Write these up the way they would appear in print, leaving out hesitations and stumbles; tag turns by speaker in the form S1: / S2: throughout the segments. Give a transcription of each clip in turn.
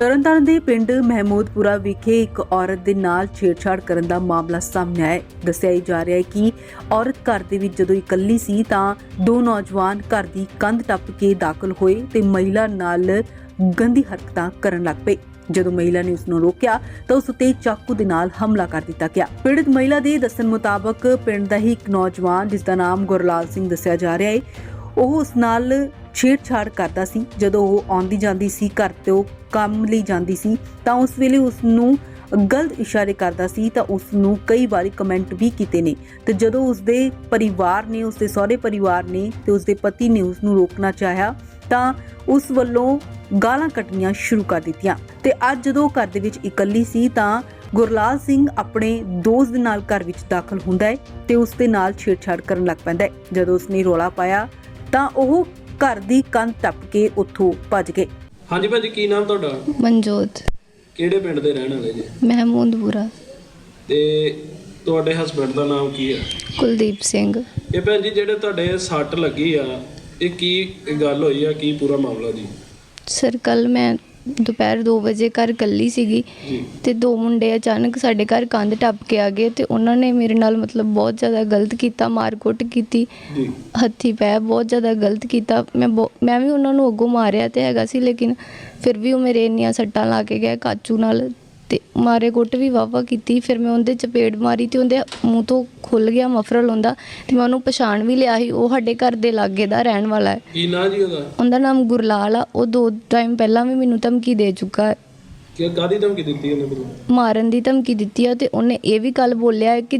S1: ਤਰਨਤਾਰਨ ਦੇ ਪਿੰਡ ਮਹਿਮੂਦਪੁਰਾ ਵਿਖੇ ਇੱਕ ਔਰਤ ਦੇ ਨਾਲ ਛੇੜਛਾੜ ਕਰਨ ਦਾ ਮਾਮਲਾ ਸਾਹਮਣੇ ਆਇਆ ਹੈ। ਦੱਸਿਆ ਜਾ ਰਿਹਾ ਹੈ ਕਿ ਔਰਤ ਘਰ ਦੇ ਵਿੱਚ ਜਦੋਂ ਇਕੱਲੀ ਸੀ ਤਾਂ ਦੋ ਨੌਜਵਾਨ ਘਰ ਦੀ ਕੰਧ ਟੱਪ ਕੇ ਦਾਖਲ ਹੋਏ ਤੇ ਮਹਿਲਾ ਨਾਲ ਗੰਦੀ ਹਰਕਤਾਂ ਕਰਨ ਲੱਗ ਪਏ। ਜਦੋਂ ਮਹਿਲਾ ਨੇ ਉਸ ਨੂੰ ਰੋਕਿਆ ਤਾਂ ਉਸ ਉੱਤੇ ਚਾਕੂ ਦੇ ਨਾਲ ਹਮਲਾ ਕਰ ਦਿੱਤਾ ਗਿਆ। ਪੀੜਤ ਮਹਿਲਾ ਦੇ ਦੱਸਣ ਮੁਤਾਬਕ ਪਿੰਡ ਦਾ ਹੀ ਇੱਕ ਨੌਜਵਾਨ ਜਿਸ ਦਾ ਨਾਮ ਗੁਰਲਾਲ ਸਿੰਘ ਦੱਸਿਆ ਜਾ ਰਿਹਾ ਹੈ, ਉਹ ਉਸ ਨਾਲ ਛੇੜਛਾੜ ਕਰਦਾ ਸੀ। ਜਦੋਂ ਉਹ ਆਉਂਦੀ ਜਾਂਦੀ ਸੀ ਘਰ ਤੋਂ ਕੰਮ ਲਈ ਜਾਂਦੀ ਸੀ ਤਾਂ ਉਸ ਵੇਲੇ ਉਸ ਨੂੰ ਗਲਤ ਇਸ਼ਾਰੇ ਕਰਦਾ ਸੀ ਤਾਂ ਉਸ ਨੂੰ ਕਈ ਵਾਰੀ ਕਮੈਂਟ ਵੀ ਕੀਤੇ ਨੇ। ਤੇ ਜਦੋਂ ਉਸ ਦੇ ਪਰਿਵਾਰ ਨੇ, ਉਸ ਦੇ ਸਹੁਰੇ ਪਰਿਵਾਰ ਨੇ ਤੇ ਉਸ ਦੇ ਪਤੀ ਨੇ ਉਸ ਨੂੰ ਰੋਕਣਾ ਚਾਹਿਆ ਤਾਂ ਉਸ ਵੱਲੋਂ ਗਾਲਾਂ ਕੱਢਣੀਆਂ ਸ਼ੁਰੂ ਕਰ ਦਿੱਤੀਆਂ। ਤੇ ਅੱਜ ਜਦੋਂ ਘਰ ਦੇ ਵਿੱਚ ਇਕੱਲੀ ਸੀ ਤਾਂ ਗੁਰਲਾਲ ਸਿੰਘ ਆਪਣੇ ਦੋਸਤ ਦੇ ਨਾਲ ਘਰ ਵਿੱਚ ਦਾਖਲ ਹੁੰਦਾ ਹੈ ਤੇ ਉਸ ਦੇ ਨਾਲ ਛੇੜਛਾੜ ਕਰਨ ਲੱਗ ਪੈਂਦਾ ਹੈ। ਜਦੋਂ ਉਸਨੇ ਰੌਲਾ ਪਾਇਆ ਤਾਂ ਉਹ ਘਰ ਦੀ ਕੰਧ ਟੱਪ ਕੇ ਉੱਥੋਂ ਭੱਜ ਗਏ।
S2: ਹਾਂਜੀ ਭਾਜੀ, ਕੀ ਨਾਮ ਤੁਹਾਡਾ?
S3: ਮਨਜੋਤ।
S2: ਕਿਹੜੇ ਪਿੰਡ ਦੇ ਰਹਿਣ ਵਾਲੇ ਜੀ?
S3: ਮਹਿਮੂਦਪੁਰਾ।
S2: ਤੇ ਤੁਹਾਡੇ ਹਸਬੰਡ ਦਾ ਨਾਮ ਕੀ ਹੈ?
S3: ਕੁਲਦੀਪ ਸਿੰਘ।
S2: ਇਹ ਭੈਣ ਜੀ ਜਿਹੜੇ ਤੁਹਾਡੇ ਸੱਟ ਲੱਗੀ ਆ, ਇਹ ਕੀ ਗੱਲ ਹੋਈ ਆ, ਕੀ ਪੂਰਾ ਮਾਮਲਾ ਜੀ?
S3: ਸਰ ਕੱਲ ਮੈਂ ਦੁਪਹਿਰ 2 ਵਜੇ ਘਰ ਇਕੱਲੀ ਸੀਗੀ ਤੇ ਦੋ ਮੁੰਡੇ ਅਚਾਨਕ ਸਾਡੇ ਘਰ ਕੰਧ ਟੱਪ ਕੇ ਆ ਗਏ ਤੇ ਉਹਨਾਂ ਨੇ ਮੇਰੇ ਨਾਲ ਬਹੁਤ ਜ਼ਿਆਦਾ ਗਲਤ ਕੀਤਾ, ਮਾਰ-ਕੁੱਟ ਕੀਤੀ, ਹੱਥੀਂ ਪੈ ਬਹੁਤ ਜ਼ਿਆਦਾ ਗਲਤ ਕੀਤਾ। ਮੈਂ ਵੀ ਉਹਨਾਂ ਨੂੰ ਅੱਗੋਂ ਮਾਰਿਆ ਤੇ ਹੈਗਾ ਸੀ, ਲੇਕਿਨ ਫਿਰ ਵੀ ਉਹ ਮੇਰੇ ਇੰਨੀਆਂ ਸੱਟਾਂ ਲਾ ਕੇ ਗਏ ਕਾਚੂ ਨਾਲ ਤੇ ਮਾਰੇ ਕੁੱਟ ਵੀ ਵਾਵਾ ਕੀਤੀ। ਫਿਰ ਮੈਂ ਉਹਦੇ ਚਪੇੜ ਮਾਰੀ ਤੇ ਉਹਦੇ ਮੂੰਹ ਤੋਂ ਖੁੱਲ ਗਿਆ ਮਫਰਲ ਹੁੰਦਾ ਤੇ ਮੈਂ ਉਹਨੂੰ ਪਛਾਣ ਵੀ ਲਿਆ ਸੀ। ਉਹ ਸਾਡੇ ਘਰ ਦੇ ਲਾਗੇ ਦਾ ਰਹਿਣ ਵਾਲਾ ਹੈ।
S2: ਕੀ ਨਾਂ ਜੀ ਉਹਦਾ? ਉਹਦਾ
S3: ਨਾਮ ਗੁਰਲਾਲ ਆ। ਉਹ 2 ਟਾਈਮ ਪਹਿਲਾਂ ਵੀ ਮੈਨੂੰ ਧਮਕੀ ਦੇ ਚੁੱਕਾ ਹੈ।
S2: ਕੀ ਕਾਹਦੀ ਧਮਕੀ ਦਿੱਤੀ ਉਹਨੇ ਮੈਨੂੰ?
S3: ਮਾਰਨ ਦੀ ਧਮਕੀ ਦਿੱਤੀ ਆ ਤੇ ਉਹਨੇ ਇਹ ਵੀ ਕੱਲ ਬੋਲਿਆ ਕਿ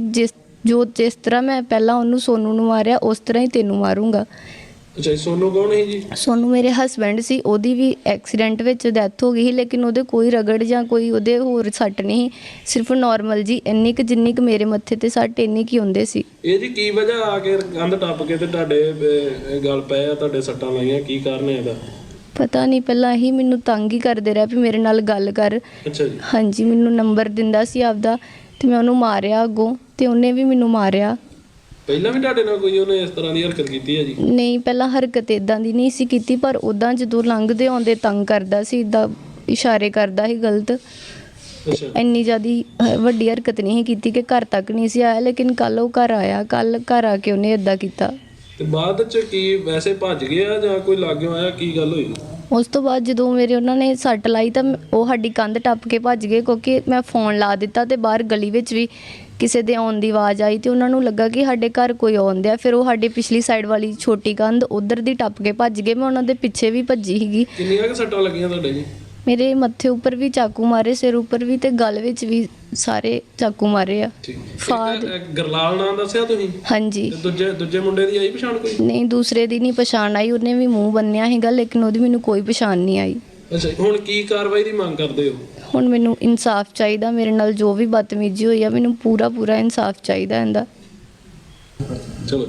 S3: ਜਿਸ ਤਰ੍ਹਾਂ ਮੈਂ ਪਹਿਲਾਂ ਉਹਨੂੰ ਸੋਨੂ ਨੂੰ ਮਾਰਿਆ ਉਸ ਤਰ੍ਹਾਂ ਹੀ ਤੈਨੂੰ ਮਾਰੂੰਗਾ।
S2: ਅੱਛਾ, ਸੋਨੂ ਕੌਣ ਹੈ ਜੀ?
S3: ਸੋਨੂ ਮੇਰੇ ਹਸਬੈਂਡ ਸੀ। ਉਹਦੀ ਵੀ ਐਕਸੀਡੈਂਟ ਵਿੱਚ ਡੈਥ ਹੋ ਗਈ ਸੀ, ਲੇਕਿਨ ਉਹਦੇ ਕੋਈ ਰਗੜ ਜਾਂ ਕੋਈ ਉਹਦੇ ਹੋਰ ਸੱਟ ਨਹੀਂ, ਸਿਰਫ ਨਾਰਮਲ ਜੀ ਇੰਨੀ ਕੁ ਜਿੰਨੀ ਕੁ ਮੇਰੇ ਮੱਥੇ ਤੇ ਸੱਟ ਇੰਨੀ ਕੀ ਹੁੰਦੇ ਸੀ।
S2: ਇਹ ਜੀ ਕੀ ਵਜ੍ਹਾ ਆ ਕੇ ਕੰਧ ਟੱਪ ਕੇ ਤੇ ਤੁਹਾਡੇ ਗਲ ਪਏ ਆ, ਤੁਹਾਡੇ ਸੱਟਾਂ ਲਾਈਆਂ, ਕੀ ਕਾਰਨ ਹੈ ਇਹਦਾ?
S3: ਪਤਾ ਨਹੀਂ, ਪਹਿਲਾਂ ਹੀ ਮੈਨੂੰ ਤੰਗ ਹੀ ਕਰਦੇ ਰਿਹਾ ਵੀ ਮੇਰੇ ਨਾਲ ਗੱਲ ਕਰ।
S2: ਅੱਛਾ ਜੀ।
S3: ਹਾਂਜੀ, ਮੈਨੂੰ ਨੰਬਰ ਦਿੰਦਾ ਸੀ ਆਪਦਾ ਤੇ ਮੈਂ ਉਹਨੂੰ ਮਾਰਿਆ ਅੱਗੋਂ ਤੇ ਉਹਨੇ ਵੀ ਮੈਨੂੰ ਮਾਰਿਆ।
S2: ਪਹਿਲਾਂ ਵੀ ਤੁਹਾਡੇ ਨਾਲ ਕੋਈ ਉਹਨੇ ਇਸ ਤਰ੍ਹਾਂ ਦੀ ਹਰਕਤ ਕੀਤੀ ਹੈ ਜੀ?
S3: ਨਹੀਂ, ਪਹਿਲਾਂ ਹਰਕਤ ਇਦਾਂ ਦੀ ਨਹੀਂ ਸੀ ਕੀਤੀ, ਪਰ ਉਦਾਂ ਜਦੋਂ ਲੰਘਦੇ ਆਉਂਦੇ ਤੰਗ ਕਰਦਾ ਸੀ, ਇਦਾਂ ਇਸ਼ਾਰੇ ਕਰਦਾ ਸੀ ਗਲਤ।
S2: ਅੱਛਾ।
S3: ਇੰਨੀ ਜ਼ਿਆਦਾ ਵੱਡੀ ਹਰਕਤ ਨਹੀਂ ਸੀ ਕੀਤੀ ਕਿ ਘਰ ਤੱਕ ਨਹੀਂ ਸੀ ਆਇਆ, ਲੇਕਿਨ ਕੱਲ ਉਹ ਘਰ ਆਇਆ। ਕੱਲ ਘਰ ਆ ਕੇ ਉਹਨੇ ਇਦਾਂ ਕੀਤਾ।
S2: ਤੇ ਬਾਅਦ ਚ ਕੀ ਵੈਸੇ ਭੱਜ ਗਿਆ ਜਾਂ ਕੋਈ ਲਾਗਿਓਂ ਆਇਆ, ਕੀ ਗੱਲ ਹੋਈ?
S3: ਉਸ ਤੋਂ ਬਾਅਦ ਜਦੋਂ ਮੇਰੇ ਉਹਨਾਂ ਨੇ ਸੱਟ ਲਾਈ ਤਾਂ ਉਹ ਸਾਡੀ ਕੰਧ ਟੱਪ ਕੇ ਭੱਜ ਗਏ, ਕਿਉਂਕਿ ਮੈਂ ਫੋਨ ਲਾ ਦਿੱਤਾ ਤੇ ਬਾਹਰ ਗਲੀ ਵਿੱਚ ਵੀ ਕਿਸੇ ਦੇ ਆਉਣ ਦੀ ਆਵਾਜ਼ ਆਈ ਤੇ ਉਹਨਾਂ ਨੂੰ ਲੱਗਾ ਕਿ ਸਾਡੇ ਘਰ ਕੋਈ ਆਉਂਦਿਆ। ਫਿਰ ਉਹ ਸਾਡੀ ਪਿਛਲੀ ਸਾਈਡ ਵਾਲੀ ਛੋਟੀ ਕੰਧ ਉਧਰ ਦੀ ਟੱਪ ਕੇ ਭੱਜ ਗਏ। ਮੈਂ ਉਹਨਾਂ ਦੇ ਪਿੱਛੇ ਵੀ ਭੱਜੀ ਸੀਗੀ।
S2: ਕਿੰਨੀਆਂ ਕੁ ਸੱਟਾਂ ਲੱਗੀਆਂ ਤੁਹਾਡੇ ਜੀ?
S3: ਮੇਰੇ ਮੱਥੇ ਉੱਪਰ ਵੀ ਚਾਕੂ ਮਾਰੇ, ਸਿਰ ਉੱਪਰ ਵੀ ਤੇ ਗਲ ਵਿੱਚ ਵੀ ਸਾਰੇ ਚਾਕੂ ਮਾਰੇ ਆ।
S2: ਗੁਰਲਾਲ ਨਾਮ ਦੱਸਿਆ ਤੁਸੀਂ?
S3: ਹਾਂਜੀ।
S2: ਦੂਜੇ ਮੁੰਡੇ ਦੀ ਆਈ ਪਛਾਣ ਕੋਈ?
S3: ਨਹੀਂ, ਦੂਸਰੇ ਦੀ ਨਹੀਂ ਪਛਾਣ ਆਈ। ਉਹਨੇ ਵੀ ਮੂੰਹ ਬੰਨਿਆ ਸੀਗਾ, ਲੇਕਿਨ ਉਹਦੀ ਮੈਨੂੰ ਕੋਈ ਪਛਾਣ ਨਹੀਂ ਆਈ। ਅੱਛਾ,
S2: ਹੁਣ ਕੀ ਕਾਰਵਾਈ ਦੀ ਮੰਗ ਕਰਦੇ ਹੋ?
S3: ਹੁਣ ਮੈਨੂੰ ਇਨਸਾਫ ਚਾਹੀਦਾ। ਮੇਰੇ ਨਾਲ ਜੋ ਵੀ ਬਦਤਮੀਜ਼ੀ ਹੋਈ ਆ, ਮੈਨੂੰ ਪੂਰਾ ਇਨਸਾਫ ਚਾਹੀਦਾ ਇਹਦਾ।
S2: ਚਲੋ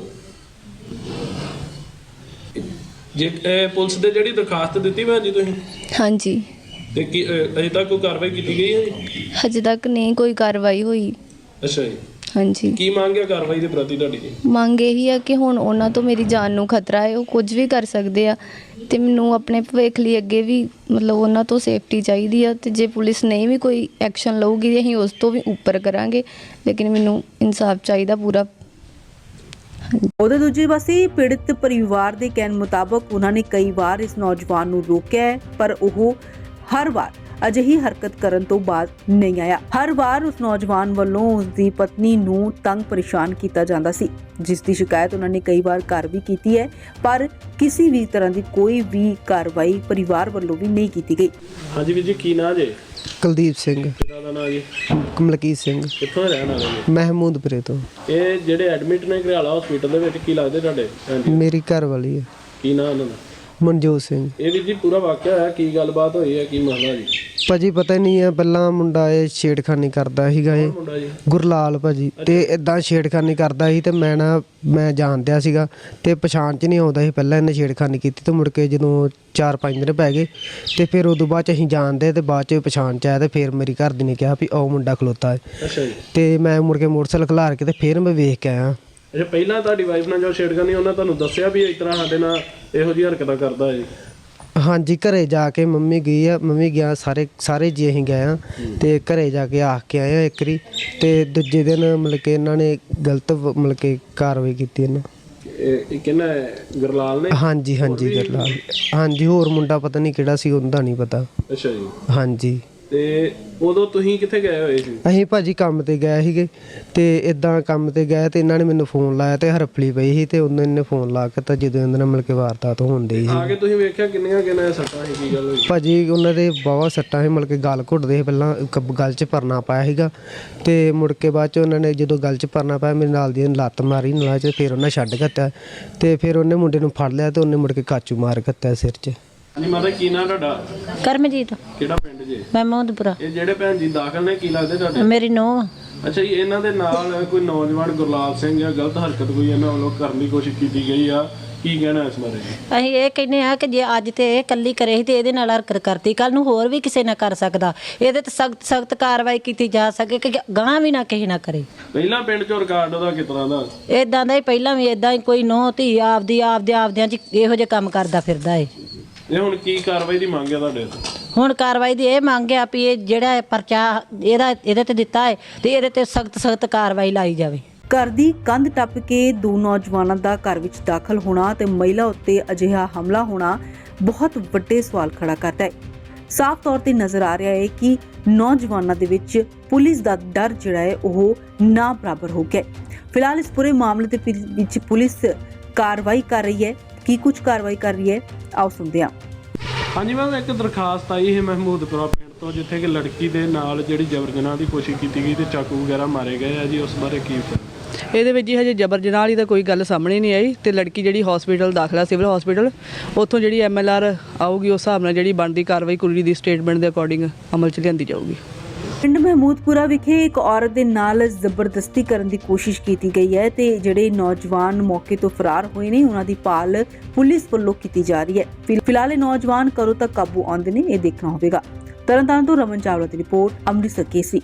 S2: ਜੇ ਪੁਲਿਸ ਦੇ ਜਿਹੜੀ ਦਰਖਾਸਤ ਦਿੱਤੀ ਭੈਣ ਜੀ ਤੁਸੀਂ?
S3: ਹਾਂਜੀ।
S2: ਤੇ ਕੀ ਅਜੇ ਤੱਕ ਕੋਈ ਕਾਰਵਾਈ ਕੀਤੀ ਗਈ ਹੈ ਜੀ?
S3: ਹਜੇ ਤੱਕ ਨਹੀਂ ਕੋਈ ਕਾਰਵਾਈ ਹੋਈ।
S2: ਅੱਛਾ ਜੀ।
S3: ਹਾਂਜੀ।
S2: ਕੀ ਮੰਗ ਹੈ ਕਾਰਵਾਈ ਦੇ ਪ੍ਰਤੀ ਤੁਹਾਡੀ ਜੀ?
S3: ਮੰਗ ਇਹੀ ਆ ਕਿ ਹੁਣ ਉਹਨਾਂ ਤੋਂ ਮੇਰੀ ਜਾਨ ਨੂੰ ਖਤਰਾ ਹੈ, ਉਹ ਕੁਝ ਵੀ ਕਰ ਸਕਦੇ ਆ ਤੇ ਮੈਨੂੰ ਆਪਣੇ ਭਵਿੱਖ ਲਈ ਅੱਗੇ ਵੀ ਉਹਨਾਂ ਤੋਂ ਸੇਫਟੀ ਚਾਹੀਦੀ ਆ। ਤੇ ਜੇ ਪੁਲਿਸ ਨਹੀਂ ਵੀ ਕੋਈ ਐਕਸ਼ਨ ਲਊਗੀ ਅਸੀਂ ਉਸ ਤੋਂ ਵੀ ਉੱਪਰ ਕਰਾਂਗੇ, ਲੇਕਿਨ ਮੈਨੂੰ ਇਨਸਾਫ ਚਾਹੀਦਾ ਪੂਰਾ।
S1: ਉਹਦੇ ਦੂਜੇ ਪਾਸੇ ਪੀੜਤ ਪਰਿਵਾਰ ਦੇ ਕਹਿਣ ਮੁਤਾਬਕ ਉਹਨਾਂ ਨੇ ਕਈ ਵਾਰ ਇਸ ਨੌਜਵਾਨ ਨੂੰ ਰੋਕਿਆ, ਪਰ ਉਹ ਹਰ ਵਾਰ ਅਜਿਹੀ ਹਰਕਤ ਕਰਨ ਤੋਂ ਬਾਅਦ ਨਹੀਂ ਆਇਆ। ਹਰ ਵਾਰ ਉਸ ਨੌਜਵਾਨ ਵੱਲੋਂ ਉਸ ਦੀ ਪਤਨੀ ਨੂੰ ਤੰਗ ਪਰੇਸ਼ਾਨ ਕੀਤਾ ਜਾਂਦਾ ਸੀ, ਜਿਸ ਦੀ ਸ਼ਿਕਾਇਤ ਉਹਨਾਂ ਨੇ ਕਈ ਵਾਰ ਘਰ ਵੀ ਕੀਤੀ ਹੈ, ਪਰ ਕਿਸੇ ਵੀ ਤਰ੍ਹਾਂ ਦੀ ਕੋਈ ਵੀ ਕਾਰਵਾਈ ਪਰਿਵਾਰ ਵੱਲੋਂ ਵੀ ਨਹੀਂ ਕੀਤੀ ਗਈ।
S2: ਹਾਂਜੀ ਵੀਰ ਜੀ, ਕੀ ਨਾਂ ਜੇ?
S4: ਕੁਲਦੀਪ ਸਿੰਘ।
S2: ਪਿਤਾ ਦਾ ਨਾਂ ਜੀ?
S4: ਕਮਲਕੀਤ ਸਿੰਘ।
S2: ਕਿੱਥੋਂ ਰਹਿਣ ਵਾਲੇ ਜੀ?
S4: ਮਹਿਮੂਦਪੁਰੇ ਤੋਂ।
S2: ਇਹ ਜਿਹੜੇ ਐਡਮਿਟ ਨੇ ਘਰਿਆਲਾ ਹਸਪੀਟਲ ਦੇ ਵਿੱਚ, ਕੀ ਲੱਗਦੇ ਤੁਹਾਡੇ?
S4: ਮੇਰੀ ਘਰ ਵਾਲੀ ਹੈ।
S2: ਕੀ ਨਾਂ ਉਹਨਾਂ ਦਾ?
S4: ਮਨਜੋਤ ਸਿੰਘ।
S2: ਇਹ ਵੀ ਜੀ ਪੂਰਾ ਵਾਕਿਆ ਹੋਇਆ, ਕੀ ਗੱਲਬਾਤ ਹੋਈ ਹੈ, ਕੀ ਮਸਲਾ ਜੀ?
S4: ਭਾਜੀ ਪਤਾ ਨਹੀਂ ਹੈ, ਪਹਿਲਾਂ ਮੁੰਡਾ ਇਹ ਛੇੜਖਾਨੀ ਕਰਦਾ ਸੀਗਾ। ਇਹ
S2: ਮੁੰਡਾ ਜੀ
S4: ਗੁਰਲਾਲ ਭਾਜੀ, ਤੇ ਇਦਾਂ ਛੇੜਖਾਨੀ ਕਰਦਾ ਸੀ ਤੇ ਮੈਂ ਜਾਣਦਿਆ ਸੀਗਾ ਤੇ ਪਛਾਣ 'ਚ ਨਹੀਂ ਆਉਂਦਾ ਸੀ। ਪਹਿਲਾਂ ਇਹਨੇ ਛੇੜਖਾਨੀ ਕੀਤੀ ਤੇ ਮੁੜ ਕੇ ਜਦੋਂ 4-5 ਦਿਨ ਪੈ ਗਏ ਤੇ ਫਿਰ ਉਦੋਂ ਬਾਅਦ 'ਚ ਅਸੀਂ ਜਾਣਦੇ ਤੇ ਬਾਅਦ 'ਚ ਪਛਾਣ 'ਚ ਆਇਆ ਤੇ ਫਿਰ ਮੇਰੀ ਘਰ ਦੀ ਨੇ ਕਿਹਾ ਵੀ ਉਹ ਮੁੰਡਾ ਖਲੋਤਾ ਹੈ।
S2: ਅੱਛਾ ਜੀ।
S4: ਤੇ ਮੈਂ ਮੁੜ ਕੇ ਮੋਟਰਸਾਈਕਲ ਖਿਲਾਰ ਕੇ ਤੇ ਫਿਰ ਮੈਂ ਵੇਖ ਕੇ ਆਇਆ।
S2: ਅੱਛਾ, ਪਹਿਲਾਂ ਤੁਹਾਡੀ ਵਾਈਫ ਨਾਲ ਜੋ ਛੇੜਖਾਨੀ ਉਹਨਾਂ ਤੁਹਾਨੂੰ ਦੱਸਿਆ ਵੀ ਇਸ ਤਰ੍ਹਾਂ ਸਾਡੇ ਨਾਲ ਇਹੋ ਜਿਹੀ ਹਰਕਤਾਂ ਕਰਦਾ ਹੈ?
S4: ਹਾਂਜੀ ਘਰੇ ਜਾ ਕੇ ਮੰਮੀ ਗਈ ਆ, ਮੰਮੀ ਗਿਆ, ਸਾਰੇ ਜੀ ਅਸੀਂ ਗਏ ਆ ਤੇ ਘਰੇ ਜਾ ਕੇ ਆ ਕੇ ਆਏ ਆ ਇੱਕ ਵਾਰੀ, ਤੇ ਦੂਜੇ ਦਿਨ ਮਤਲਬ ਕਿ ਇਹਨਾਂ ਨੇ ਗਲਤ ਮਤਲਬ ਕਿ ਕਾਰਵਾਈ ਕੀਤੀ ਇਹਨਾਂ।
S2: ਇਹ ਕਿਹਨਾਂ ਗੁਰਲਾਲ ਨੇ?
S4: ਹਾਂਜੀ ਗਰਲਾਲ, ਹਾਂਜੀ ਹੋਰ ਮੁੰਡਾ ਪਤਾ ਨਹੀਂ ਕਿਹੜਾ ਸੀ, ਉਹਦਾ ਨਹੀਂ ਪਤਾ।
S2: ਅੱਛਾ ਜੀ।
S4: ਹਾਂਜੀ।
S2: ਤੇ ਉਦੋਂ ਤੁਸੀਂ ਕਿੱਥੇ ਗਏ ਹੋਏ ਸੀ?
S4: ਅਸੀਂ ਭਾਜੀ ਕੰਮ ਤੇ ਗਏ ਸੀਗੇ, ਤੇ ਇਦਾਂ ਕੰਮ ਤੇ ਗਏ ਤੇ ਇਹਨਾਂ ਨੇ ਮੈਨੂੰ ਫੋਨ ਲਾਇਆ ਤੇ ਹਰਫਲੀ ਪਈ ਸੀ, ਤੇ ਉਹਨਾਂ ਨੇ ਫੋਨ ਲਾ ਕੇ ਤਾਂ ਜਦੋਂ ਇਹਨਾਂ ਨਾਲ ਮਿਲ ਕੇ ਵਾਰਦਾਤ ਹੁੰਦੀ ਸੀ।
S2: ਆ ਕੇ ਤੁਸੀਂ ਵੇਖਿਆ ਕਿੰਨੀਆਂ ਸੱਟਾਂ ਸੀ, ਕੀ ਗੱਲ ਹੋਈ?
S4: ਭਾਜੀ ਉਹਨਾਂ ਦੇ ਬਾਵਾ ਸੱਟਾਂ ਸੀ, ਮਤਲਬ ਕਿ ਗਲ ਘੁੱਟਦੇ ਸੀ, ਪਹਿਲਾਂ ਗਲ 'ਚ ਪਰਨਾ ਪਾਇਆ ਸੀਗਾ, ਤੇ ਮੁੜ ਕੇ ਬਾਅਦ 'ਚ ਉਹਨਾਂ ਨੇ ਜਦੋਂ ਗਲ 'ਚ ਪਰਨਾ ਪਾਇਆ ਮੇਰੇ ਨਾਲ ਦੀ ਲੱਤ ਮਾਰੀ ਨਾਲ 'ਚ, ਫਿਰ ਉਹਨਾਂ ਛੱਡ ਦਿੱਤਾ, ਤੇ ਫਿਰ ਉਹਨੇ ਮੁੰਡੇ ਨੂੰ ਫੜ ਲਿਆ ਤੇ ਉਹਨੇ ਮੁੜ ਕੇ ਕਾਚੂ ਮਾਰ ਦਿੱਤਾ ਸਿਰ 'ਚ।
S2: ਹਾਂਜੀ ਮਾਤਾ, ਕੀ ਨਾਂ ਤੁਹਾਡਾ?
S5: ਕਰਮਜੀਤ।
S2: ਕਿਹੜਾ ਪਿੰਡ ਜੇ?
S5: ਮਹਿਮੂਦਪੁਰਾ।
S2: ਇਹ ਜਿਹੜੇ ਭੈਣ ਜੀ ਦਾਖਲ ਨੇ, ਕੀ ਲੱਗਦੇ ਤੁਹਾਡੇ?
S5: ਮੇਰੀ ਨੂੰਹ।
S2: ਅੱਛਾ ਜੀ, ਇਹਨਾਂ ਦੇ ਨਾਲ ਕੋਈ ਨੌਜਵਾਨ ਗੁਰਲਾਲ ਸਿੰਘ ਜਾਂ ਗਲਤ ਹਰਕਤ ਕੋਈ ਇਹਨਾਂ ਵੱਲੋਂ ਕਰਨ ਦੀ ਕੋਸ਼ਿਸ਼ ਕੀਤੀ ਗਈ ਆ, ਕੀ ਕਹਿਣਾ ਇਸ ਬਾਰੇ?
S5: ਅਸੀਂ ਇਹ ਕਹਿੰਦੇ ਆ ਕਿ ਜੇ ਅੱਜ ਤੇ ਇਹ ਇਕੱਲੀ ਕਰੇ ਸੀ ਤੇ ਇਹਦੇ ਨਾਲ ਹਰਕਤ ਕਰਤੀ, ਕੱਲ ਨੂੰ ਹੋਰ ਵੀ ਕਿਸੇ ਨਾਲ ਕਰ ਸਕਦਾ। ਇਹਦੇ ਤੇ ਸਖਤ ਕਾਰਵਾਈ ਕੀਤੀ ਜਾ ਸਕੇ ਕਿ ਗਾਂ ਵੀ ਨਾ ਕਿਸੇ ਨਾ ਕਰੇ।
S2: ਪਹਿਲਾਂ ਪਿੰਡ ਚੋਂ ਰਿਕਾਰਡ ਉਹਦਾ ਕਿਸ ਤਰ੍ਹਾਂ ਦਾ?
S5: ਇਦਾਂ ਦਾ ਹੀ ਪਹਿਲਾਂ ਵੀ ਇਦਾਂ ਹੀ ਕੋਈ ਨੂੰਹ ਧੀ ਆਪਦਿਆਂ 'ਚ ਇਹੋ ਜਿਹੇ ਕੰਮ ਕਰਦਾ ਫਿਰਦਾ ਏ।
S2: ਇਹ ਹੁਣ ਕੀ ਕਾਰਵਾਈ ਦੀ ਮੰਗ ਹੈ ਤੁਹਾਡੇ?
S5: ਹੁਣ ਕਾਰਵਾਈ ਦੀ ਇਹ ਮੰਗ ਆ ਵੀ ਇਹ ਜਿਹੜਾ ਪਰਚਾ ਇਹਦੇ ਤੇ ਦਿੱਤਾ ਹੈ ਤੇ ਇਹਦੇ ਤੇ ਸਖਤ ਕਾਰਵਾਈ ਲਾਈ ਜਾਵੇ।
S1: ਘਰ ਦੀ ਕੰਧ ਟੱਪ ਕੇ ਦੋ ਨੌਜਵਾਨਾਂ ਦਾ ਘਰ ਵਿੱਚ ਦਾਖਲ ਹੋਣਾ ਤੇ ਮਹਿਲਾ ਉੱਤੇ ਅਜਿਹਾ ਹਮਲਾ ਹੋਣਾ ਬਹੁਤ ਵੱਡੇ ਸਵਾਲ ਖੜਾ ਕਰਦਾ ਹੈ। ਸਾਫ਼ ਤੌਰ ਤੇ ਨਜ਼ਰ ਆ ਰਿਹਾ ਹੈ ਕਿ ਨੌਜਵਾਨਾਂ ਦੇ ਵਿੱਚ ਪੁਲਿਸ ਦਾ ਡਰ ਜਿਹੜਾ ਹੈ ਉਹ ਨਾ ਬਰਾਬਰ ਹੋ ਗਿਆ। ਫਿਲਹਾਲ ਇਸ ਪੂਰੇ ਮਾਮਲੇ ਦੇ ਵਿੱਚ ਪੁਲਿਸ ਕਾਰਵਾਈ ਕਰ ਰਹੀ ਹੈ। ਕੀ ਕੁਝ ਕਾਰਵਾਈ ਕਰ ਰਹੀ ਹੈ, ਆਓ ਸੁਣਦੇ ਹਾਂ।
S2: ਹਾਂਜੀ ਮੈਮ, ਇੱਕ ਦਰਖਾਸਤ ਆਈ ਹੈ ਮਹਿਮੂਦਪੁਰਾ ਪਿੰਡ ਤੋਂ, ਜਿੱਥੇ ਕਿ ਲੜਕੀ ਦੇ ਨਾਲ ਜਿਹੜੀ ਜਬਰ ਜਨਾਹ ਦੀ ਕੋਸ਼ਿਸ਼ ਕੀਤੀ ਗਈ ਤੇ ਚਾਕੂ ਵਗੈਰਾ ਮਾਰੇ ਗਏ ਆ ਜੀ, ਉਸ ਬਾਰੇ ਕੀ?
S6: ਇਹਦੇ ਵਿੱਚ ਜੀ ਹਜੇ ਜਬਰ ਜਨਾਹ ਵਾਲੀ ਤਾਂ ਕੋਈ ਗੱਲ ਸਾਹਮਣੇ ਨਹੀਂ ਆਈ, ਤੇ ਲੜਕੀ ਜਿਹੜੀ ਹਸਪੀਟਲ ਦਾਖਲਾ ਸਿਵਲ ਹਸਪੀਟਲ, ਉੱਥੋਂ ਜਿਹੜੀ MLR ਆਊਗੀ ਉਸ ਹਿਸਾਬ ਨਾਲ ਜਿਹੜੀ ਬਣਦੀ ਕਾਰਵਾਈ ਕੁੜੀ ਦੀ ਸਟੇਟਮੈਂਟ ਦੇ ਅਕੋਰਡਿੰਗ ਅਮਲ 'ਚ ਲਿਆਂਦੀ ਜਾਊਗੀ।
S1: ਪਿੰਡ ਮਹਿਮੂਦਪੁਰਾ ਵਿਖੇ ਇੱਕ ਔਰਤ ਦੇ ਨਾਲ ਜ਼ਬਰਦਸਤੀ ਕਰਨ ਦੀ ਕੋਸ਼ਿਸ਼ ਕੀਤੀ ਗਈ ਹੈ ਤੇ ਜਿਹੜੇ ਨੌਜਵਾਨ ਮੌਕੇ ਤੋਂ ਫਰਾਰ ਹੋਏ ਨੇ ਉਹਨਾਂ ਦੀ ਭਾਲ ਪੁਲਿਸ ਵੱਲੋਂ ਕੀਤੀ ਜਾ ਰਹੀ ਹੈ। ਫਿਲਹਾਲ ਇਹ ਨੌਜਵਾਨ ਕਦੋਂ ਤੱਕ ਕਾਬੂ ਆਉਂਦੇ ਨੇ, ਇਹ ਦੇਖਣਾ ਹੋਵੇਗਾ। ਤਰਨਤਾਰਨ ਤੋਂ ਰਮਨ ਚਾਵਲਾ ਦੀ ਰਿਪੋਰਟ, ਅੰਮ੍ਰਿਤਸਰ ਕੇਸਰੀ।